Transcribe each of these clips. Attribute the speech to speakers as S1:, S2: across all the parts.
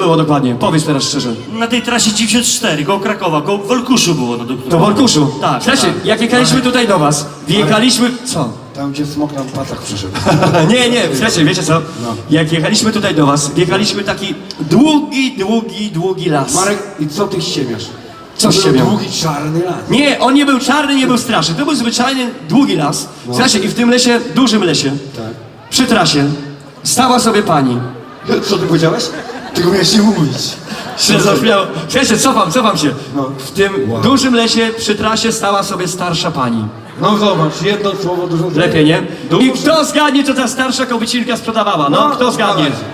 S1: było dokładnie? Powiedz teraz szczerze.
S2: Na tej trasie 94, koło Krakowa, koło Wolkuszu było. No,
S1: To w Olkuszu?
S2: Tak,
S1: Słuchajcie,
S2: tak.
S1: jak jechaliśmy tutaj do was, wjechaliśmy... Co?
S3: Tam gdzie smok na pasach przyszedł.
S1: Nie, słuchajcie, wiecie co? Jak jechaliśmy tutaj do was, wjechaliśmy taki długi las.
S3: Marek, i co ty ściemiasz?
S1: Co
S3: To był
S1: ściemiam?
S3: długi, czarny las.
S1: Nie, on nie był czarny, nie był straszny. To był zwyczajny, długi las. Słuchajcie, i w tym lesie, dużym lesie,
S3: Tak.
S1: przy trasie, stała sobie pani.
S3: Co ty powiedziałeś? Tylko miałeś nie mówić.
S1: Się zaśmiało. Słuchajcie, cofam się.
S3: No.
S1: W tym dużym lesie, przy trasie stała sobie starsza pani.
S3: No zobacz, jedno słowo dużo...
S1: Lepiej, nie? I kto zgadnie, co ta starsza kobicinka sprzedawała? No, kto zgadnie?
S3: dawaj.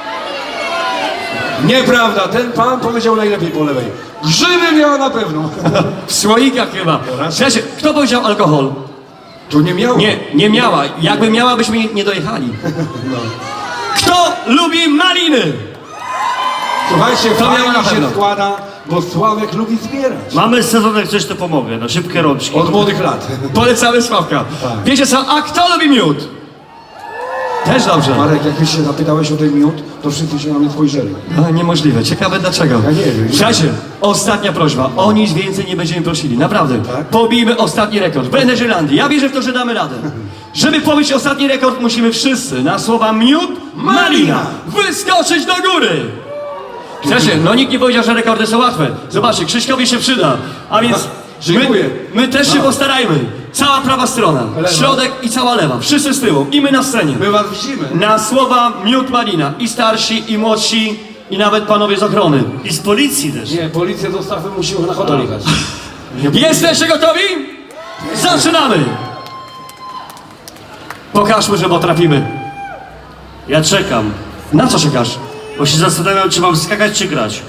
S3: Nieprawda, ten pan powiedział najlepiej po lewej. Grzyby miała na pewno.
S1: W słoikach chyba. Słuchajcie, kto powiedział alkohol?
S3: To nie miało.
S1: Nie miała. Jakby miała, byśmy nie dojechali. Kto lubi maliny?
S3: Słuchajcie,
S1: To miała na
S3: fajnie
S1: pewno.
S3: się składa, bo Sławek lubi zbierać.
S2: Mamy sezon, jak coś to pomogę, no szybkie rączki.
S3: Od młodych lat.
S1: Polecamy Sławka.
S3: Tak.
S1: Wiecie co, a kto lubi miód? Też dobrze.
S3: Marek, jak się zapytałeś o ten miód, to wszyscy się na mnie spojrzeli.
S1: A, niemożliwe. Ciekawe dlaczego.
S3: Ja nie wiem.
S1: Słuchajcie, ostatnia prośba. O nic więcej nie będziemy prosili. Naprawdę.
S3: Tak?
S1: Pobijmy ostatni rekord. W Energylandii. Ja wierzę w to, że damy radę. Żeby pobić ostatni rekord, musimy wszyscy na słowa miód, malina wyskoczyć do góry. Słuchajcie, no nikt nie powiedział, że rekordy są łatwe. Zobaczcie, Krzyśkowi się przyda. A więc
S3: Dziękuję.
S1: my też się postarajmy. Cała prawa strona,
S3: Lewa.
S1: środek i cała lewa. Wszyscy z tyłu. I my na scenie.
S3: My was widzimy.
S1: Na słowa miód malina. I starsi, i młodsi, i nawet panowie z ochrony.
S2: I z policji też.
S3: Nie, policję zostawmy, musimy na hotel jechać.
S1: Jesteście gotowi? Zaczynamy! Pokażmy, że potrafimy.
S2: Ja czekam,
S1: Na co czekasz?
S2: bo się zastanawiam, czy mam skakać, czy grać.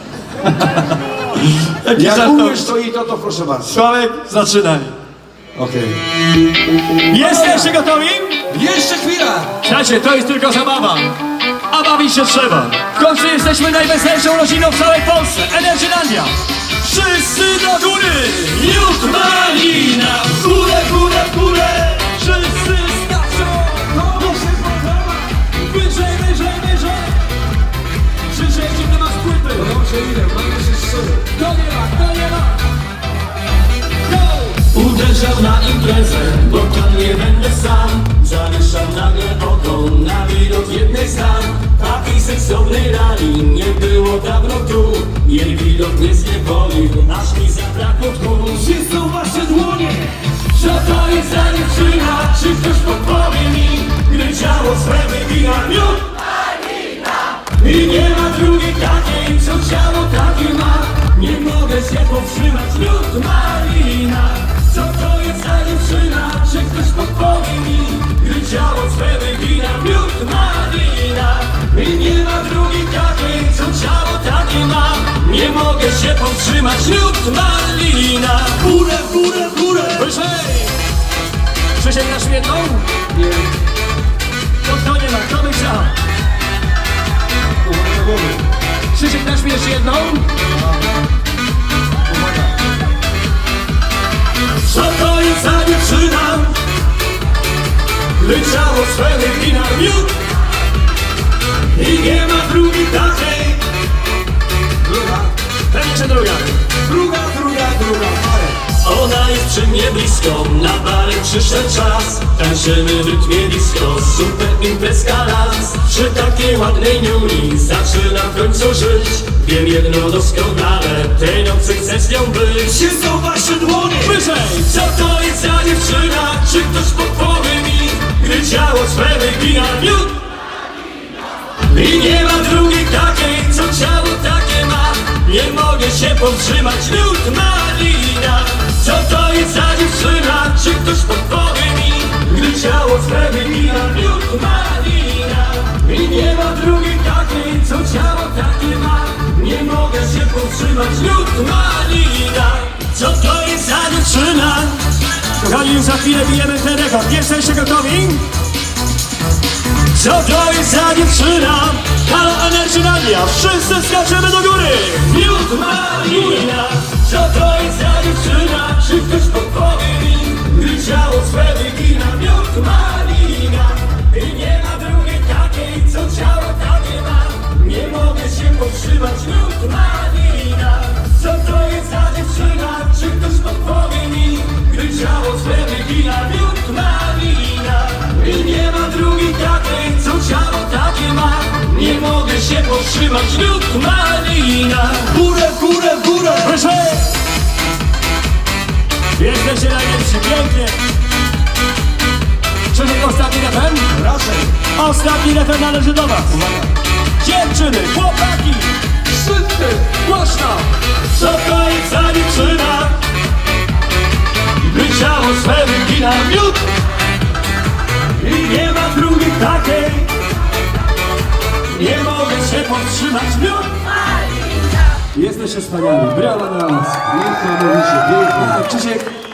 S1: Jaki
S3: Jak
S1: żartowy.
S3: umiesz to i to proszę bardzo.
S1: Sławek, zaczynaj.
S3: Okej.
S1: Jesteście gotowi?
S3: Jeszcze chwila!
S1: Słuchajcie, to jest tylko zabawa. A bawić się trzeba. W końcu jesteśmy najweselszą rodziną w całej Polsce. Energylandia. Wszyscy do góry! Miód malina! W górę, w górę, w górę! Wszyscy skaczą! Komu się podoba? Wyżej, wyżej, wyżej! Krzyczeć, nie masz płyty! To nie ma! Go!
S4: Uderzał na imprezę, bo tam nie będę sam. Zawieszał nagle oko na widok jednej z dam. Takiej seksownej rani nie było dawno tu. Jej widok mnie zniewolił, aż mi zabrakło tchu. Gdzie są wasze dłonie? Co to jest za dziewczyna? Czy ktoś podpowie mi, gdy ciało swe wygina miód? I nie ma drugiej takiej, co ciało takie ma. Nie mogę się powstrzymać, miód malina. Co to jest za dziewczyna? Czy ktoś podpowie mi, gdy ciało swe wygina miód malina. I nie ma drugiej takiej, co ciało takie ma. Nie mogę się powstrzymać, miód malina. W górę, w górę, w górę.
S1: Wyżej! Krzysiek na świetną?
S3: Nie.
S1: To kto nie ma? Kto by chciał?
S3: Uwaga do głowy.
S1: Krzysiek dasz mi jeszcze jedną?
S3: Uwaga.
S4: Co to jest za dziewczyna? Gdy ciało swe wygina miód. I nie ma drugiej takiej.
S3: Druga.
S1: Pewnie, że druga.
S3: Druga.
S4: Ona jest przy mnie blisko, na barek przyszedł czas. Tańczymy w rytmie disco, super imprezka las. Przy takiej ładnej niuni zaczynam w końcu żyć. Wiem jedno doskonale, tej nocy chcę z nią być. Gdzie są wasze dłonie?
S1: Wyżej!
S4: Co to jest za dziewczyna? Czy ktoś podpowie mi, gdy ciało swe wygina miód? I nie ma drugiej takiej, co ciało takie ma. Nie mogę się powstrzymać, miód malina. Co to jest za dziewczyna? Czy ktoś podpowie mi, gdy ciało swe wygina miód malina. I nie ma drugiej takiej, co ciało takie ma. Nie mogę się powstrzymać, miód malina. Co to jest za dziewczyna?
S1: Kochani, już za chwilę bijemy ten rekord. Jesteście gotowi?
S4: Co to jest za dziewczyna?
S1: Halo Energylandia! Wszyscy skaczemy do góry!
S4: Miód malina. Co to jest za dziewczyna? Czy ktoś podpowie mi, gdy ciało swe wygina miód malina. I nie ma drugiej takiej, co ciało takie ma. Nie mogę się powstrzymać. powstrzymać miód malina. Co to jest za dziewczyna? Czy ktoś podpowie mi? Gdy ciało swe wygina miód malina. I nie ma drugiej takiej, co ciało takie ma. Nie mogę się powstrzymać miód malina.
S3: Górę, w górę, w górę!
S1: Proszę! Jesteście najlepsi, pięknie! Krzysiek, ostatni refren?
S3: Raczej.
S1: Ostatni refren należy do was! Dziewczyny, chłopaki!
S3: Wszyscy!
S1: Głośno!
S4: Co to jest za dziewczyna? Gdy ciało swe wygina miód. I nie ma drugiej takiej. Nie mogę się powstrzymać miód.
S1: Jesteście wspaniali, brawa dla was!
S3: Niesamowicie, pięknie.
S1: Krzysiek,